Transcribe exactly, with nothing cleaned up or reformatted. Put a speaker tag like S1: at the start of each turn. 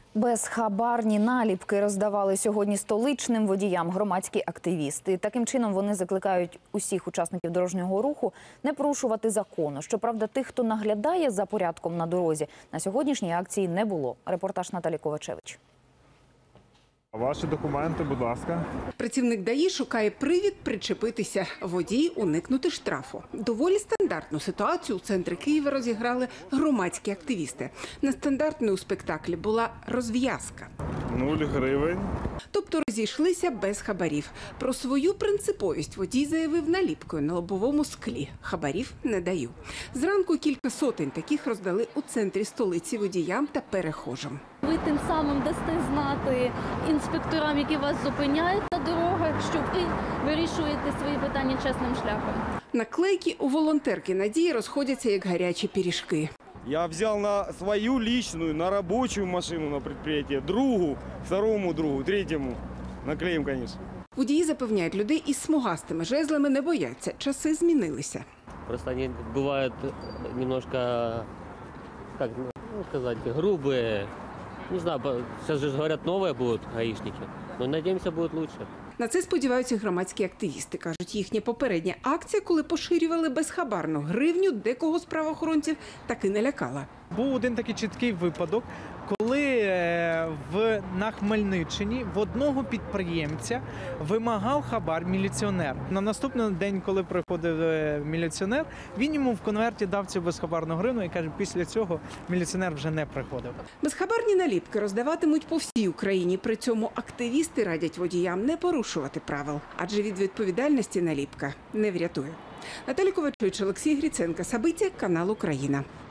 S1: Безхабарні наліпки роздавали сьогодні столичним водіям громадські активісти. Таким чином вони закликають усіх учасників дорожнього руху не порушувати закону. Щоправда, тих, хто наглядає за порядком на дорозі, на сьогоднішній акції не було. Репортаж Наталі Ковачевич.
S2: Ваші документи, будь ласка.
S3: Працівник ДАІ шукає привід причепитися. Водій уникнути штрафу. Доволі стандартну ситуацію у центрі Києва розіграли громадські активісти. Нестандартною у спектаклі була розв'язка.
S2: Нуль гривень.
S3: Тобто розійшлися без хабарів. Про свою принциповість водій заявив наліпкою на лобовому склі. Хабарів не даю. Зранку кілька сотень таких роздали у центрі столиці водіям та перехожим.
S4: Ви тим самим дасте знати інспекторам, які вас зупиняють на дорогах, що ви вирішуєте свої питання чесним шляхом.
S3: Наклейки у волонтерки Надії розходяться як гарячі пиріжки.
S5: Я взял на свою личную, на рабочую машину на предприятие, другу, второму другу, третьему. Наклеим, конечно.
S3: Водії запевняють, людей із смугастими жезлами не бояться. Часи змінилися.
S6: Просто они бывают немножко, как ну, сказать, грубые. Не знаю, сейчас же говорят, новые будут гаишники, но надеемся, будет лучше.
S3: На це сподіваються громадські активісти. Кажуть, їхня попередня акція, коли поширювали безхабарну гривню, декого з правоохоронців таки не лякала.
S7: Був один такий чіткий випадок, коли в, на Хмельниччині в одного підприємця вимагав хабар міліціонер. На наступний день, коли приходив міліціонер, він йому в конверті дав цю безхабарну гривну і каже, після цього міліціонер вже не приходив.
S3: Безхабарні наліпки роздаватимуть по всій Україні. При цьому активісти радять водіям не порушувати правил, адже від відповідальності наліпка не врятує. Наталі Ковачевич, Олексій Гриценко, Сабиття, канал Україна.